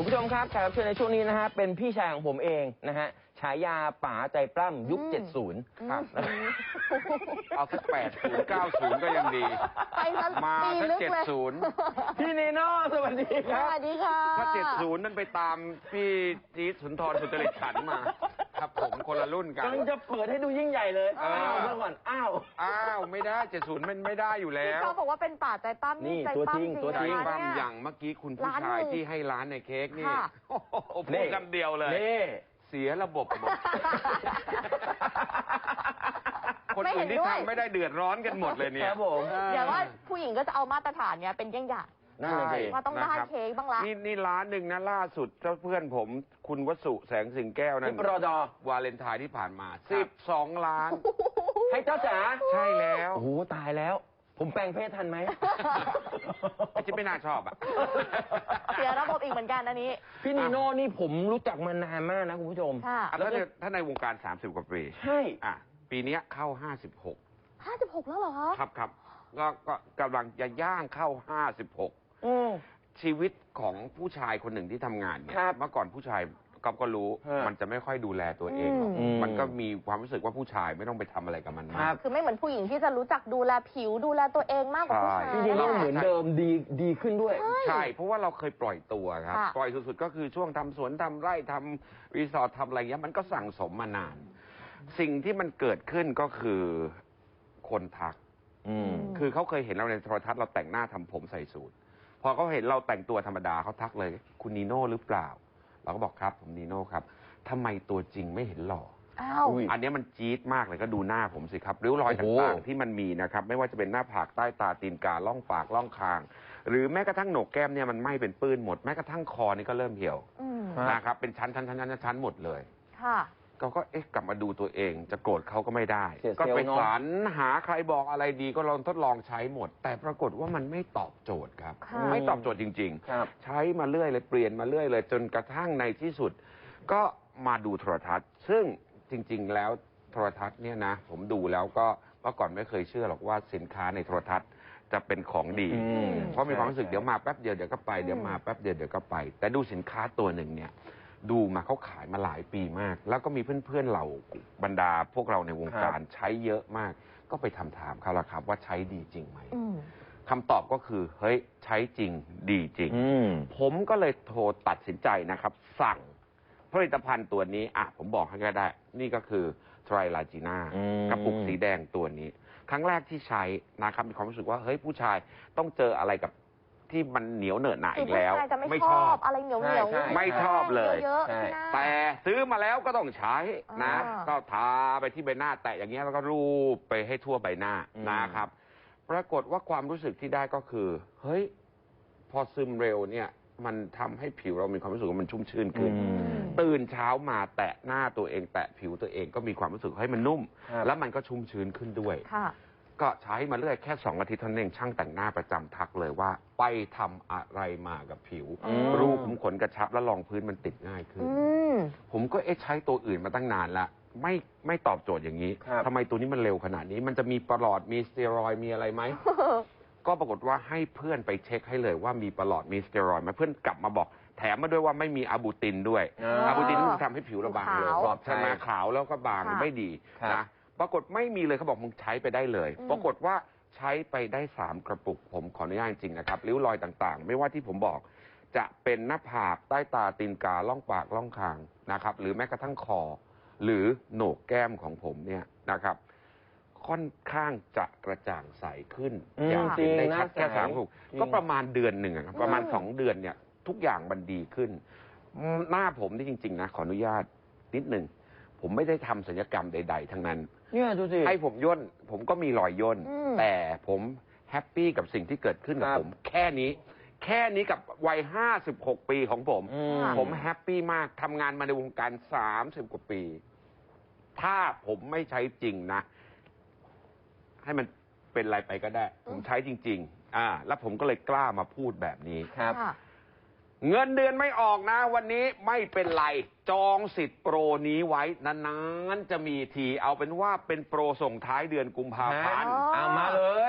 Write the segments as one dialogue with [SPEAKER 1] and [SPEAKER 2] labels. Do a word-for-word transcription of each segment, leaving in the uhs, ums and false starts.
[SPEAKER 1] ผู้ชมครับแขกรับเชิญในช่วงนี้นะฮะเป็นพี่ชายของผมเองนะฮะฉายาป๋าใจปล้ำยุคเจ็ดสิบครับ
[SPEAKER 2] เอาสักแปดศูนย์เก้าศูนย์ก็ยังดี
[SPEAKER 3] ไป
[SPEAKER 2] มาสักเจ็ดศูนย์
[SPEAKER 1] พี่นีโน่สวัสดีครับ
[SPEAKER 3] สวัสดีค่ะ
[SPEAKER 2] ถ้าเจ็ดศูนย์นั่นไปตามพี่จี๊ดสุนทรสุจริตฉันมาครับผมคนละรุ่นกัน
[SPEAKER 1] กำลังจะเปิดให้ดูยิ่งใหญ่เลยอ้าวเมื่อก่อนอ้าว
[SPEAKER 2] อ้าวไม่ได้เจ็ดศูนย์มันไม่ได้อยู่แล้ว
[SPEAKER 3] เขาบอกว่าเป็นป่าใจปั้ม
[SPEAKER 1] นี่
[SPEAKER 3] ใจปั้มจริง
[SPEAKER 1] ตัวจริง
[SPEAKER 2] ปั้มอย่างเมื่อกี้คุณผู้ชายที่ให้ร้านในเค้กนี่พูดคำเดียวเลยเสียระบบหมดคนอื่นที่ทำไม่ได้เดือดร้อนกันหมดเลยเนี่ย
[SPEAKER 3] เดี๋ยวว่าผู้หญิงก็จะเอามาตรฐานเนี้ยเป็นเยี่ยงอย่าง
[SPEAKER 1] นั่นเอง
[SPEAKER 3] ว่าต้องได้เค้กบ้างละ
[SPEAKER 2] นี่นี่ร้านหนึ่งนะล่าสุดเจ้าเพื่อนผมคุณวสุแสงสิงแก้วนั่น
[SPEAKER 1] รอดอ
[SPEAKER 2] วาเลนไทน์ที่ผ่านมาสิบสองล้าน
[SPEAKER 1] ให้เจ้าจ๋า
[SPEAKER 2] ใช่แล้ว
[SPEAKER 1] โอ้โหตายแล้วผมแปลงเพศทันไหม
[SPEAKER 2] จะไม่น่าชอบอ่ะ
[SPEAKER 3] เสียระบบอีกเหมือนกันอันนี้
[SPEAKER 1] พี่นีโน่นี่ผมรู้จักมานานมากนะคุณผู้ชม
[SPEAKER 2] แล้วถ้าในวงการสามสิบกว่าปี
[SPEAKER 1] ใช่
[SPEAKER 2] อ่ะปีนี้เข้าห้าสิบหก
[SPEAKER 3] ห้าสิบหกแล้วเหรอ
[SPEAKER 2] ครับครับก็ก็กำลังจะย่างเข้าห้าสิบหกชีวิตของผู้ชายคนหนึ่งที่ทำงานเนี่ยเมื่อก่อนผู้ชายก็ก็รู้มันจะไม่ค่อยดูแลตัวเองมันก็มีความรู้สึกว่าผู้ชายไม่ต้องไปทำอะไรกับมันมาก
[SPEAKER 3] คือไม่เหมือนผู้หญิงที่จะรู้จักดูแลผิวดูแลตัวเองมากกว่าผู้ชาย
[SPEAKER 1] พี่นีโน่เหมือนเดิมดีดีขึ้นด้วย
[SPEAKER 2] ใช่เพราะว่าเราเคยปล่อยตัวครับปล่อยสุดๆก็คือช่วงทำสวนทำไร่ทำรีสอร์ททำอะไรเงี้ยมันก็สั่งสมมานานสิ่งที่มันเกิดขึ้นก็คือคนทักคือเขาเคยเห็นเราในโทรทัศน์เราแต่งหน้าทำผมใส่สูทพอเขาเห็นเราแต่งตัวธรรมดาเขาทักเลยคุณนีโน่หรือเปล่าเราก็บอกครับผมนีโน่ครับทำไมตัวจริงไม่เห็นหล่ออันนี้มันจี๊ดมากเลยก็ดูหน้าผมสิครับริ้วรอยต่างๆที่มันมีนะครับไม่ว่าจะเป็นหน้าผากใต้ตาตีนกาล่องปากล่องคางหรือแม้กระทั่งโหนกแก้มเนี่ยมันไหม้เป็นปื้นหมดแม้กระทั่งคอนี่ก็เริ่มเหี่ยวนะครับเป็นชั้นชั้นชั้นชั้นชั้นหมดเลย
[SPEAKER 3] ค่ะ
[SPEAKER 2] ก็ก็เอ๊ะกลับมาดูตัวเองจะโกรธเขาก็ไม่ได้ก็ไปสรรหาใครบอกอะไรดีก็ลองทดลองใช้หมดแต่ปรากฏว่ามันไม่ตอบโจทย์ครับไม่ตอบโจทย์จริงๆใช้มาเรื่อยเลยเปลี่ยนมาเรื่อยเลยจนกระทั่งในที่สุดก็มาดูโทรทัศน์ซึ่งจริงๆแล้วโทรทัศน์เนี่ยนะผมดูแล้วก็เมื่อก่อนไม่เคยเชื่อหรอกว่าสินค้าในโทรทัศน์จะเป็นของดีเพราะมีความรู้สึกเดี๋ยวมาแป๊บเดียวเดี๋ยวก็ไปเดี๋ยวมาแป๊บเดียวเดี๋ยวก็ไปแต่ดูสินค้าตัวหนึ่งเนี่ยดูมาเขาขายมาหลายปีมากแล้วก็มีเพื่อนๆเราบรรดาพวกเราในวงการใช้เยอะมากก็ไปทำถามเขาละครับว่าใช้ดีจริงไหมคำตอบก็คือเฮ้ยใช้จริงดีจริงผมก็เลยโทรตัดสินใจนะครับสั่งผลิตภัณฑ์ตัวนี้อ่ะผมบอกให้ก็ได้นี่ก็คือไตรลาจีน่ากระปุกสีแดงตัวนี้ครั้งแรกที่ใช้นะครับมีความรู้สึกว่าเฮ้ยผู้ชายต้องเจออะไรกับที่มันเหนียวเหนอะหนาอีกแล้ว
[SPEAKER 3] ไม่ชอบอะไรเหนียวเหนียว
[SPEAKER 2] ไม่ชอบเลยแต่ซื้อมาแล้วก็ต้องใช้นะก็ทาไปที่ใบหน้าแตะอย่างเงี้ยแล้วก็รูปไปให้ทั่วใบหน้านะครับปรากฏว่าความรู้สึกที่ได้ก็คือเฮ้ยพอซึมเร็วเนี่ยมันทำให้ผิวเรามีความรู้สึกว่ามันชุ่มชื่นขึ้นตื่นเช้ามาแตะหน้าตัวเองแตะผิวตัวเองก็มีความรู้สึกให้มันนุ่มแล้วมันก็ชุ่มชื้นขึ้นด้วยก็ใช้มาเรื่อยแค่สองอาทิตย์เท่านั้นเองช่างแต่งหน้าประจำทักเลยว่าไปทำอะไรมากับผิวรูขุมขนกระชับและรองพื้นมันติดง่ายขึ้นผมก็เอ๊ะใช้ตัวอื่นมาตั้งนานละไม่ไม่ตอบโจทย์อย่างนี้ทำไมตัวนี้มันเร็วขนาดนี้มันจะมีประหลอดมีสเตียรอยด์มีอะไรไหมก็ปรากฏว่าให้เพื่อนไปเช็คให้เลยว่ามีประหลอดมีสเตียรอยด์ไหมเพื่อนกลับมาบอกแถมมาด้วยว่าไม่มีอะบูตินด้วยอะบูตินมันทำให้ผิวเราบางเลยใช่ไหมขาวแล้วก็บางไม่ดีนะปรากฏไม่มีเลยเขาบอกมึงใช้ไปได้เลยปรากฏว่าใช้ไปได้สามกระปุกผมขออนุญาตจริงนะครับริ้วรอยต่างๆไม่ว่าที่ผมบอกจะเป็นหน้าผากใต้ตาตีนกาล่องปากล่องคางนะครับหรือแม้กระทั่งคอหรือโหนกแก้มของผมเนี่ยนะครับค่อนข้างจะกระจ่างใสขึ้นอย่างเห็นได้ชัดแค่สามกระปุกก็ประมาณเดือนหนึ่งประมาณสองเดือนเนี่ยทุกอย่างมันดีขึ้นหน้าผมนี่จริงๆนะขออนุญาตนิดหนึ่งผมไม่ได้ทำศัลยกรรมใดๆทั้งนั้น
[SPEAKER 1] เนี่ยดูสิ
[SPEAKER 2] ให้ผมย่นผมก็มีรอยย่นแต่ผมแฮปปี้กับสิ่งที่เกิดขึ้นกับผมแค่นี้แค่นี้กับวัยห้าสิบหกปีของผมผมแฮปปี้มากทำงานมาในวงการสามสิบกว่าปีถ้าผมไม่ใช้จริงนะให้มันเป็นอะไรไปก็ได้ผมใช้จริงๆอ่าแล้วผมก็เลยกล้ามาพูดแบบนี้
[SPEAKER 1] ครับ
[SPEAKER 2] เงินเดือนไม่ออกนะวันนี้ไม่เป็นไรจองสิทธิ์โปรนี้ไว้นานๆจะมีทีเอาเป็นว่าเป็นโปรส่งท้ายเดือนกุมภาพันธ์
[SPEAKER 1] เอามาเลย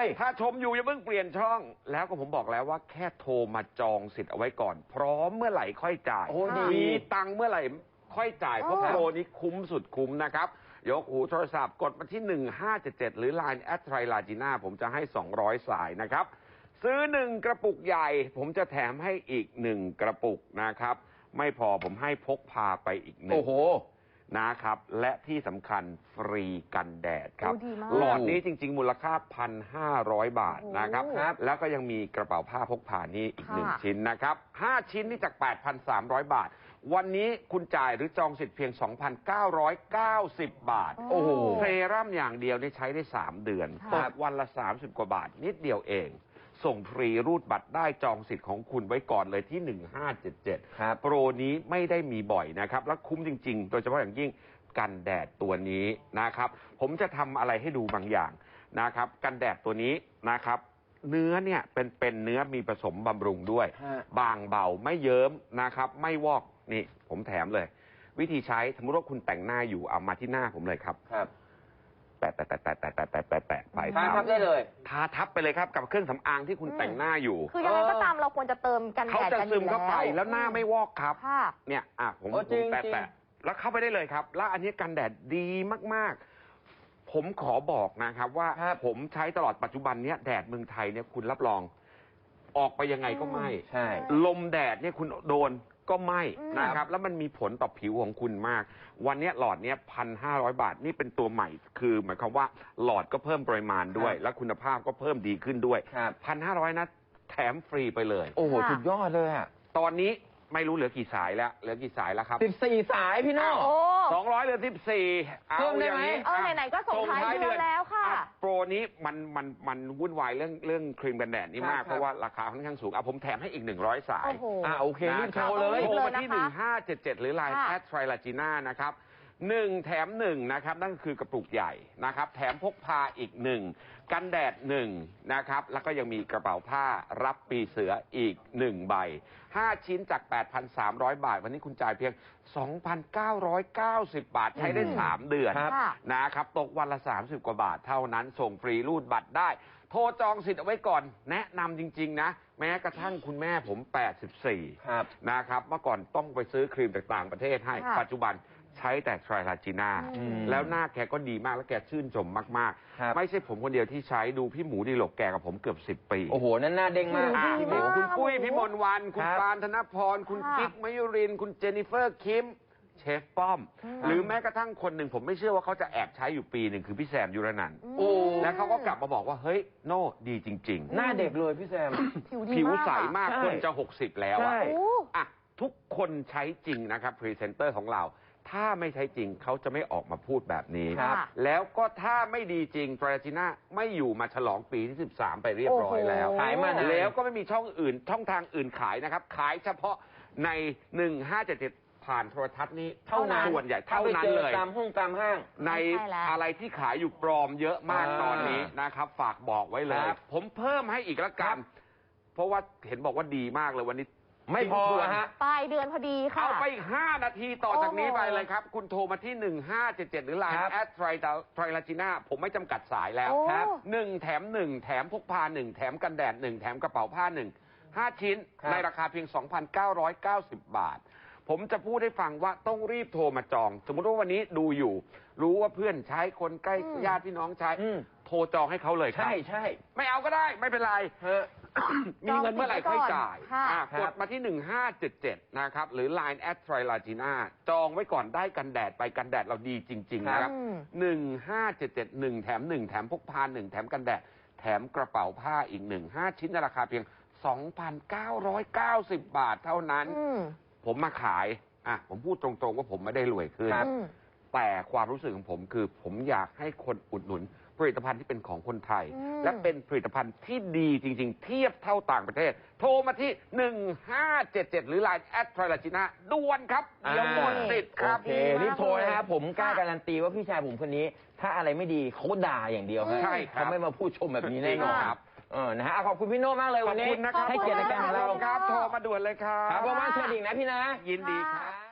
[SPEAKER 2] ถ้าชมอยู่อย่าเพิ่งเปลี่ยนช่อง แล้วก็ผมบอกแล้วว่าแค่โทรมาจองสิทธิ์เอาไว้ก่อน พร้อมเมื่อไหร่ค่อยจ่าย
[SPEAKER 1] โอ้ดี
[SPEAKER 2] มีตังค์เมื่อไหร่ค่อยจ่าย เพราะ
[SPEAKER 3] อ๋อ
[SPEAKER 2] โปรนี้คุ้มสุดคุ้มนะครับ ยกหูโทรศัพท์กดมาที่ หนึ่งห้าเจ็ดเจ็ด หรือ ไลน์ แอด ไทรลาจีน่า ผมจะให้ สองร้อย สายนะครับ ซื้อหนึ่งกระปุกใหญ่ ผมจะแถมให้อีกหนึ่งกระปุกนะครับ ไม่พอผมให้พกพาไปอีกหนึ่
[SPEAKER 1] โอ้
[SPEAKER 2] ง
[SPEAKER 1] โห
[SPEAKER 2] นะครับ และที่สำคัญฟรีกันแดดครับ
[SPEAKER 3] โอ้ดีมาก
[SPEAKER 2] หลอดนี้จริง ๆ มูลค่า หนึ่งพันห้าร้อย บาทนะครับ
[SPEAKER 3] โอ้
[SPEAKER 1] ครับ
[SPEAKER 2] แล้วก็ยังมีกระเป๋าผ้าพกพานี่อีกหนึ่ง
[SPEAKER 3] ค่ะ
[SPEAKER 2] ชิ้นนะครับห้าชิ้นนี่จาก แปดพันสามร้อย บาท วันนี้คุณจ่ายหรือจองสิทธิ์เพียง สองพันเก้าร้อยเก้าสิบ บาท
[SPEAKER 1] โอ้โห
[SPEAKER 2] เซรั่มอย่างเดียวนี่ใช้ได้ สาม เดือน
[SPEAKER 3] ค่ะ
[SPEAKER 2] ตกวันละ สามสิบ กว่าบาท นิดเดียวเอง ส่งฟรีรูดบัตรได้จองสิทธิ์ของคุณไว้ก่อนเลยที่ หนึ่งห้าเจ็ดเจ็ด
[SPEAKER 1] ครับ
[SPEAKER 2] โปรนี้ไม่ได้มีบ่อยนะครับ และคุ้มจริง ๆ โดยเฉพาะอย่างยิ่งกันแดดตัวนี้นะครับ ผมจะทำอะไรให้ดูบางอย่างนะครับ กันแดดตัวนี้นะครับ เนื้อเนี่ยเป็นเป็นเนื้อมีผสมบำรุงด้วย
[SPEAKER 1] ฮะ
[SPEAKER 2] บางเบาไม่เยิ้มนะครับ ไม่วอกนี่ผมแถมเลย วิธีใช้สมมติว่าคุณแต่งหน้าอยู่เอามาที่หน้าผมเลยครับ
[SPEAKER 1] ครับ
[SPEAKER 2] แปะแปะแปะแปะแปะแปะแปะแปะแปะไป
[SPEAKER 1] ทาทับได้เลย
[SPEAKER 2] ทาทับไปเลยครับกับเครื่องสำอางที่คุณแต่งหน้าอยู่
[SPEAKER 3] คือยังไงก็ตามเราควรจะเติมกันแด
[SPEAKER 2] เขา
[SPEAKER 3] ด
[SPEAKER 2] จะ
[SPEAKER 3] กันอ
[SPEAKER 2] ซึ
[SPEAKER 3] ยู่
[SPEAKER 2] มเข้าไปแล้วหน้าไม่วอกครับ
[SPEAKER 3] ค่ะ
[SPEAKER 2] เนี่ยอ่ะผม
[SPEAKER 1] โอ้
[SPEAKER 2] ผ
[SPEAKER 1] จริ
[SPEAKER 2] ม
[SPEAKER 1] ง
[SPEAKER 2] แปะ
[SPEAKER 1] จริง
[SPEAKER 2] แปะแล้วเข้าไปได้เลยครับ แล้วอันนี้กันแดดดีมากๆ ผมขอบอกนะครับว่า
[SPEAKER 1] ครับ
[SPEAKER 2] ผมใช้ตลอดปัจจุบันเนี้ยแดดเมืองไทยเนี่ยคุณรับรอง ออกไปยังไงก็ไม่
[SPEAKER 1] ใช่
[SPEAKER 2] ลมแดดเนี่ยคุณโดนก็ไม่
[SPEAKER 3] อืม
[SPEAKER 2] นะครับ แล้วมันมีผลต่อผิวของคุณมาก วันเนี้ยหลอดเนี้ยพันห้าร้อยบาทนี่เป็นตัวใหม่ คือหมายความว่าหลอดก็เพิ่มปริมาณด้วย
[SPEAKER 1] ครับ
[SPEAKER 2] และคุณภาพก็เพิ่มดีขึ้นด้วย
[SPEAKER 1] ครับ
[SPEAKER 2] พันห้าร้อยนะแถมฟรีไปเลย
[SPEAKER 1] โอ้โห
[SPEAKER 3] ค่ะ
[SPEAKER 1] สุดยอดเลยอ่ะ
[SPEAKER 2] ตอนนี้ไม่รู้เหลือกี่สายแล้ว เหลือกี่สายแล้วครับ
[SPEAKER 1] สิบสี่สายพี่โน่
[SPEAKER 3] โอ้
[SPEAKER 2] สองร้อยเหลือสิบสี่
[SPEAKER 1] เพิ่มได้ไหม
[SPEAKER 3] เออไหนๆก็ส่งท้ายเดือนแล้วค่ะ
[SPEAKER 2] อ่โปรนี้มันมันมันวุ่นวายเรื่องเรื่องครีมกันแดดนี่มาก
[SPEAKER 1] ครับ
[SPEAKER 2] เพราะว่าราคาค่อนข้างสูงอ่ะผมแถมให้อีกหนึ่งร้อยสาย
[SPEAKER 3] โอ้โห
[SPEAKER 1] อ่าโอเครีบโทรเลย
[SPEAKER 2] โทร
[SPEAKER 3] เลย
[SPEAKER 2] มา
[SPEAKER 3] นะคะ
[SPEAKER 2] ที่ หนึ่งห้าเจ็ดเจ็ด หรือ ไลน์
[SPEAKER 3] ค่ะ
[SPEAKER 2] แอด ไทรลาจีน่า นะครับหนึ่งแถมหนึ่งนะครับ นั่นคือกระปุกใหญ่นะครับ แถมพกพาอีกหนึ่งกันแดดหนึ่งนะครับ แล้วก็ยังมีกระเป๋าผ้ารับปีเสืออีกหนึ่งใบห้าชิ้นจาก แปดพันสามร้อย บาท วันนี้คุณจ่ายเพียง สองพันเก้าร้อยเก้าสิบ บาท ใช้ได้
[SPEAKER 1] อืม
[SPEAKER 2] สาม เดือน
[SPEAKER 1] ครับ
[SPEAKER 3] ค่ะ
[SPEAKER 2] นะครับ ตกวันละ สามสิบ กว่าบาท เท่านั้น ส่งฟรีรูดบัตรได้ โทรจองสิทธิ์เอาไว้ก่อน แนะนำจริง ๆ นะ แม้กระทั่งคุณแม่ผม แปดสิบสี่
[SPEAKER 1] ครับ
[SPEAKER 2] นะครับ เมื่อก่อนต้องไปซื้อครีมจากต่างประเทศให้
[SPEAKER 3] ค่ะ
[SPEAKER 2] ปัจจุบันใช้แต่ไทรลาจีน่า
[SPEAKER 3] อืม
[SPEAKER 2] แล้วหน้าแกก็ดีมาก แล้วแกชื่นชมมาก
[SPEAKER 1] ครับ
[SPEAKER 2] ๆ ไม่ใช่ผมคนเดียวที่ใช้ดูพี่หมูดีหลกแกกับผมเกือบสิบปี
[SPEAKER 1] โอ้โห นั่นหน้าเด้งมาก
[SPEAKER 2] อ่ะ
[SPEAKER 3] ดี
[SPEAKER 2] พี่หมู
[SPEAKER 3] มาก
[SPEAKER 2] คุณปุ้ย
[SPEAKER 3] โอ้โห
[SPEAKER 2] พี่มนต์วัน คุณ
[SPEAKER 1] ครับ
[SPEAKER 2] ปานธนพร คุณ
[SPEAKER 3] ค่ะ
[SPEAKER 2] กิ๊กมยุรินทร์คุณเจนนิเฟอร์คิม เชฟป้อม
[SPEAKER 3] อืม
[SPEAKER 2] หรือแม้กระทั่งคนหนึ่งผมไม่เชื่อว่าเขาจะแอบใช้อยู่ปีหนึ่งคือพี่แซมยุรนันท์
[SPEAKER 1] โอ้
[SPEAKER 2] แล้วเขาก็กลับมาบอกว่าเฮ้ยโน่ดีจริง
[SPEAKER 1] หน้าเด็กเลยพี่แซม
[SPEAKER 3] ผิว
[SPEAKER 2] ๆ
[SPEAKER 3] ดี
[SPEAKER 2] ผิว
[SPEAKER 3] มาก
[SPEAKER 2] ใส
[SPEAKER 3] อะ
[SPEAKER 2] มาก
[SPEAKER 1] ใช่
[SPEAKER 2] คนจะหกสิบแล้วอะ
[SPEAKER 1] ใช่
[SPEAKER 3] โอ้
[SPEAKER 2] อ่ะทุกคนใช้จริงนะครับพรีเซนเตอร์ของเรา ถ้าไม่ใช้จริงเขาจะไม่ออกมาพูดแบบนี้
[SPEAKER 3] ครับ
[SPEAKER 2] แล้วก็ถ้าไม่ดีจริงตราจิน่าไม่อยู่มาฉลองปีที่สิบสามไปเรียบร้อยแล้ว
[SPEAKER 3] โอ้โห
[SPEAKER 1] ขายมานาน
[SPEAKER 2] แล้วก็ไม่มีช่องอื่นช่องทางอื่นขายนะครับ ขายเฉพาะใน หนึ่งห้าเจ็ดเจ็ด ผ่านโทรทัศน์นี้
[SPEAKER 1] เท่านั้น
[SPEAKER 2] ส่วนใหญ่
[SPEAKER 1] ถ้า
[SPEAKER 2] เท่า
[SPEAKER 1] ไป
[SPEAKER 2] นั้น
[SPEAKER 1] เจอ
[SPEAKER 2] เลย
[SPEAKER 1] ตามห้องตามห้าง
[SPEAKER 2] ใน
[SPEAKER 3] ใช่แล้ว
[SPEAKER 2] อะไรที่ขายอยู่ปลอมเยอะมาก
[SPEAKER 1] อ่า
[SPEAKER 2] ตอนนี้นะครับ ฝากบอกไว้เลย
[SPEAKER 1] ครับ
[SPEAKER 2] ผมเพิ่มให้อีกละกัน เพราะว่าเห็นบอกว่าดีมากเลยวันนี้
[SPEAKER 1] ไม่พอ
[SPEAKER 2] ทิ้งทวน
[SPEAKER 1] ฮะ
[SPEAKER 3] ปลายเดือนพอดีค่ะ
[SPEAKER 2] เอาไปอีกห้านาทีต่อจากนี้
[SPEAKER 3] โอ้โห
[SPEAKER 2] ไปเลยครับ คุณโทรมาที่ หนึ่งห้าเจ็ดเจ็ด หรือ ไลน์
[SPEAKER 1] ครับ
[SPEAKER 2] แอดไทรลาจีน่าผมไม่จำกัดสายแล้ว
[SPEAKER 3] โอ้
[SPEAKER 1] ครับ
[SPEAKER 2] หนึ่งแถมหนึ่งแถมพกพาหนึ่งแถมกันแดดหนึ่งแถมกระเป๋าผ้าหนึ่งห้าชิ้น
[SPEAKER 1] ครับ
[SPEAKER 2] ในราคาเพียง สองพันเก้าร้อยเก้าสิบ บาท ผมจะพูดให้ฟังว่าต้องรีบโทรมาจอง สมมติว่าวันนี้ดูอยู่ รู้ว่าเพื่อนใช้คนใกล้
[SPEAKER 3] อืม
[SPEAKER 2] ญาติพี่น้องใช้
[SPEAKER 1] อืม
[SPEAKER 2] โทรจองให้เขาเลยครับ
[SPEAKER 1] ใช่ใช่
[SPEAKER 2] ไม่เอาก็ได้ไม่เป็นไร
[SPEAKER 1] ฮะ
[SPEAKER 2] มีเงินเมื่อไหร่ค่อยจ่าย
[SPEAKER 3] ค่ะ
[SPEAKER 2] อ่ะ
[SPEAKER 1] ครั
[SPEAKER 2] ก
[SPEAKER 1] บ
[SPEAKER 2] ดมาที่ หนึ่งห้าเจ็ดเจ็ด นะครับ หรือ ไลน์ แอด ไทรลาจีน่า จองไว้ก่อนได้กันแดดไปกันแดดเราดีจริง ๆ นะครับ
[SPEAKER 3] อืม
[SPEAKER 2] หนึ่งห้าเจ็ดเจ็ด หนึ่งแถมหนึ่งแถมพกพาหนึ่งแถมกันแดด แถมกระเป๋าผ้าอีกหนึ่งห้าชิ้นในราคาเพียง สองพันเก้าร้อยเก้าสิบ บาทเท่านั้น
[SPEAKER 3] อืม
[SPEAKER 2] ผมมาขายอ่ะผมพูดตรงๆว่าผมไม่ได้รวยขึ้น
[SPEAKER 1] ครับ
[SPEAKER 3] อืม
[SPEAKER 2] แต่ความรู้สึกของผมคือผมอยากให้คนอุดหนุน ผลิตภัณฑ์ที่เป็นของคนไทย
[SPEAKER 3] อืม
[SPEAKER 2] และเป็นผลิตภัณฑ์ที่ดีจริง ๆ เทียบเท่าต่างประเทศ โทรมาที่ หนึ่งห้าเจ็ดเจ็ด หรือ ไลน์ แอด ไทรลาจีน่า ด่วนครับ เดี๋ยวหมดสิทธิ์ครับ
[SPEAKER 1] โอเครีบโทรนะครับผมกล้าการันตีว่าพี่ชายผมคนนี้ ถ้าอะไรไม่ดีเขาด่าอย่างเดียวฮะ
[SPEAKER 2] ใช่ครับ
[SPEAKER 1] เขาไม่มาพูดชมแบบนี้แน่นอน
[SPEAKER 2] ครับ
[SPEAKER 1] เออนะฮะอ่ะขอบคุณพี่โน่มากเลย
[SPEAKER 2] ขอ
[SPEAKER 1] วั
[SPEAKER 2] บ
[SPEAKER 1] นนี้
[SPEAKER 2] คุณนะครับ
[SPEAKER 1] ให้เกียรติรายการของเรา
[SPEAKER 2] ครับ โทรมาด่วนเลยครับ
[SPEAKER 1] ครับผมว่าเชิญอีกนะพี่นะ
[SPEAKER 2] ยินดีครับ